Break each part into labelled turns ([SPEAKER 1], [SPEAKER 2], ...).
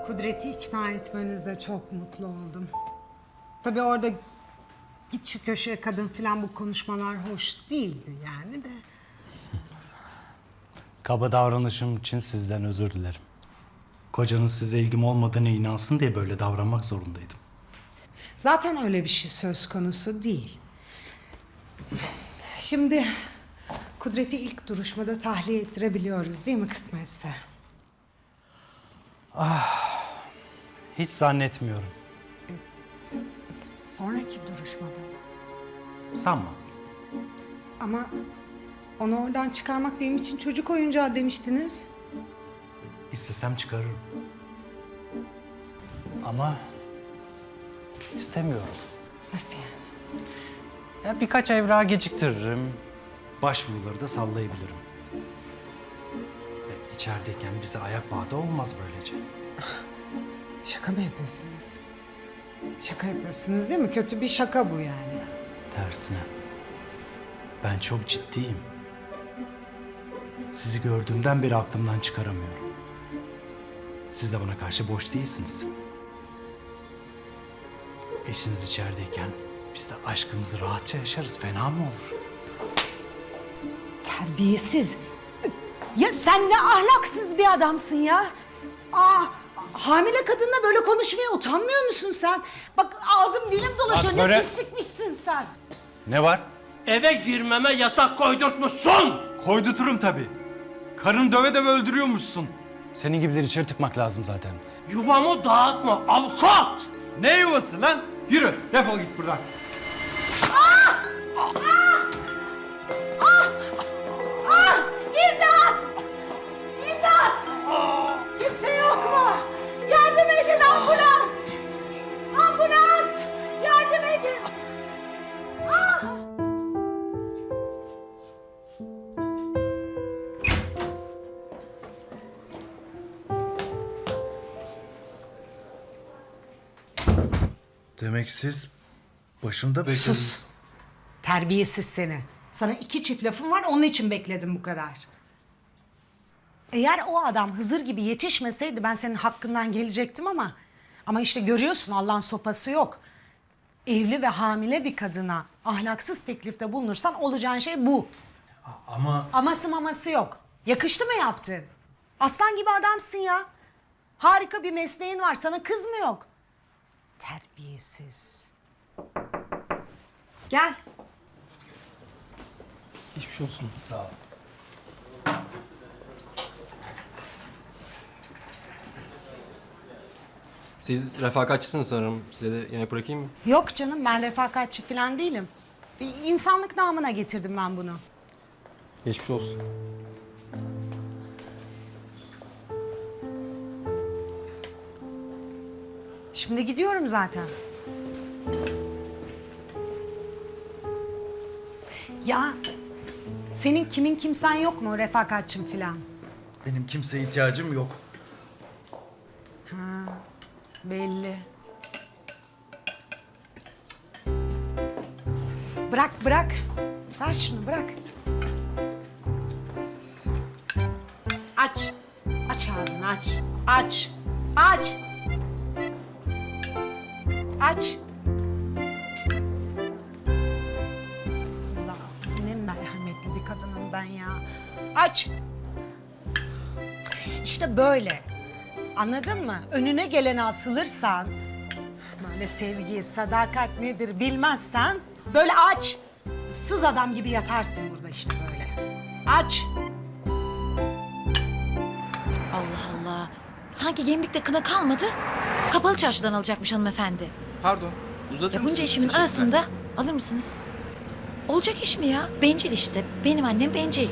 [SPEAKER 1] Kudret'i ikna etmenizde çok mutlu oldum. Tabii orada git şu köşeye kadın filan bu konuşmalar hoş değildi yani de.
[SPEAKER 2] Kaba davranışım için sizden özür dilerim. Kocanız size ilgim olmadığına inansın diye böyle davranmak zorundaydım.
[SPEAKER 1] Zaten öyle bir şey söz konusu değil. Şimdi Kudret'i ilk duruşmada tahliye ettirebiliyoruz değil mi kısmetse?
[SPEAKER 2] Hiç zannetmiyorum.
[SPEAKER 1] Sonraki duruşmada mı?
[SPEAKER 2] Sanma.
[SPEAKER 1] Ama onu oradan çıkarmak benim için çocuk oyuncağı demiştiniz.
[SPEAKER 2] İstesem çıkarırım. Ama istemiyorum.
[SPEAKER 1] Nasıl yani?
[SPEAKER 2] Ya birkaç evrağı geciktiririm. Başvuruları da sallayabilirim. İçerideyken bize ayak bağı da olmaz böylece.
[SPEAKER 1] Şaka mı yapıyorsunuz? Şaka yapıyorsunuz değil mi? Kötü bir şaka bu yani.
[SPEAKER 2] Tersine. Ben çok ciddiyim. Sizi gördüğümden beri aklımdan çıkaramıyorum. Siz de bana karşı boş değilsiniz. Eşiniz içerideyken biz de aşkımızı rahatça yaşarız. Fena mı olur?
[SPEAKER 1] Terbiyesiz. Ya sen ne ahlaksız bir adamsın ya. Hamile kadınla böyle konuşmaya utanmıyor musun sen? Bak ağzım dilim dolaşıyor.
[SPEAKER 2] Bak
[SPEAKER 1] Ne
[SPEAKER 2] böyle-
[SPEAKER 1] pislikmişsin sen.
[SPEAKER 2] Ne var?
[SPEAKER 3] Eve girmeme yasak koydurtmuşsun.
[SPEAKER 2] Koyduturum tabii. Karını döve döve öldürüyormuşsun. Senin gibileri içeri tıkmak lazım zaten.
[SPEAKER 3] Yuvamı dağıtma avukat.
[SPEAKER 2] Ne yuvası lan? Yürü, defol git buradan.
[SPEAKER 1] İmdat! İmdat! Kimse yok mu? Yardım edin ambulans! Ambulans! Yardım edin!
[SPEAKER 4] Demek siz başında beklediniz.
[SPEAKER 1] Sus! Terbiyesiz seni. Sana 2 çift lafım var, onun için bekledim bu kadar. Eğer o adam Hızır gibi yetişmeseydi ben senin hakkından gelecektim ama... Ama işte görüyorsun Allah'ın sopası yok. Evli ve hamile bir kadına ahlaksız teklifte bulunursan olacağın şey bu.
[SPEAKER 2] Ama
[SPEAKER 1] Aması maması yok. Yakıştı mı yaptın? Aslan gibi adamsın ya. Harika bir mesleğin var, sana kız mı yok? Terbiyesiz. Gel.
[SPEAKER 3] Geçmiş olsun.
[SPEAKER 2] sağ ol.
[SPEAKER 5] Siz refakatçisiniz sanırım. Size de yemek bırakayım mı?
[SPEAKER 1] Yok canım, ben refakatçi falan değilim. Bir insanlık namına getirdim ben bunu.
[SPEAKER 5] Geçmiş olsun.
[SPEAKER 1] Şimdi gidiyorum zaten. Ya senin kimin kimsen yok mu refakatçin falan?
[SPEAKER 4] Benim kimseye ihtiyacım yok.
[SPEAKER 1] Belli. Bırak bırak. Ver şunu bırak. Aç. Aç ağzını aç. Aç. Aç. Aç. Allah ne merhametli bir kadınım ben ya. Aç. İşte böyle. Anladın mı? Önüne gelene asılırsan, böyle sevgi, sadakat nedir bilmezsen böyle aç. Sız adam gibi yatarsın burada işte böyle. Aç.
[SPEAKER 6] Allah Allah. Sanki gemlikte kına kalmadı. Kapalı çarşıdan alacakmış hanımefendi.
[SPEAKER 7] Pardon, uzatır
[SPEAKER 6] Ya bunca
[SPEAKER 7] mısınız?
[SPEAKER 6] işimin
[SPEAKER 7] Teşekkürler.
[SPEAKER 6] arasında alır mısınız? Olacak iş mi ya? Bencil işte. Benim annem bencil.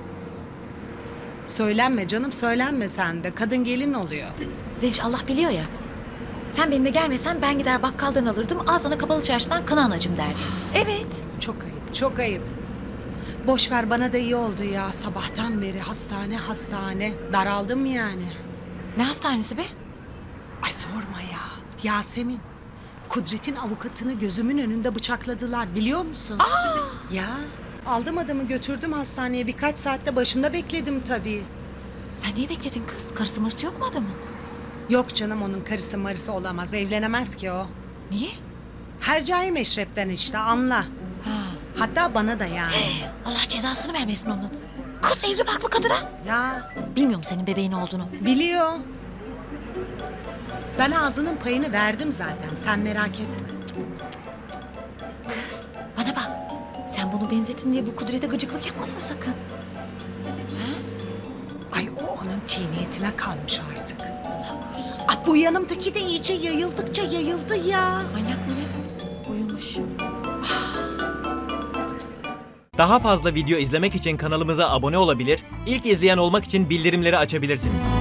[SPEAKER 1] Söylenme canım söylenme sen de. Kadın gelin oluyor.
[SPEAKER 6] Zeliş Allah biliyor ya. Sen benimle gelmesen ben gider bakkaldan alırdım. Al sana kapalı çarşıdan kına anacım derdim. Evet.
[SPEAKER 1] Çok ayıp, çok ayıp. Boş ver bana da iyi oldu ya. Sabahtan beri hastane hastane. Daraldım yani.
[SPEAKER 6] Ne hastanesi be?
[SPEAKER 1] Ay sorma ya. Yasemin. Kudret'in avukatını gözümün önünde bıçakladılar biliyor musun? Ya aldım adamı götürdüm hastaneye birkaç saatte başında bekledim tabii.
[SPEAKER 6] Sen niye bekledin kız? Karısı marısı yok mu adamın?
[SPEAKER 1] Yok canım, onun karısı marısı olamaz. Evlenemez ki o.
[SPEAKER 6] Niye?
[SPEAKER 1] Hercai meşrepten işte, anla. Hatta bana da yani.
[SPEAKER 6] Allah cezasını vermesin onun. Kız evli barklı kadına.
[SPEAKER 1] Ya
[SPEAKER 6] Bilmiyorum senin bebeğin olduğunu.
[SPEAKER 1] biliyor. Ben ağzının payını verdim zaten, sen merak etme.
[SPEAKER 6] Kız bana bak. Sen bunu benzetin diye bu Kudret'e gıcıklık yapmasın sakın.
[SPEAKER 1] Ay, o onun tiniyetine kalmış artık. Ay, bu yanımdaki de iyice yayıldıkça yayıldı ya.
[SPEAKER 6] Manyak mı ne? Uyumuş.
[SPEAKER 7] Daha fazla video izlemek için kanalımıza abone olabilir, ilk izleyen olmak için bildirimleri açabilirsiniz.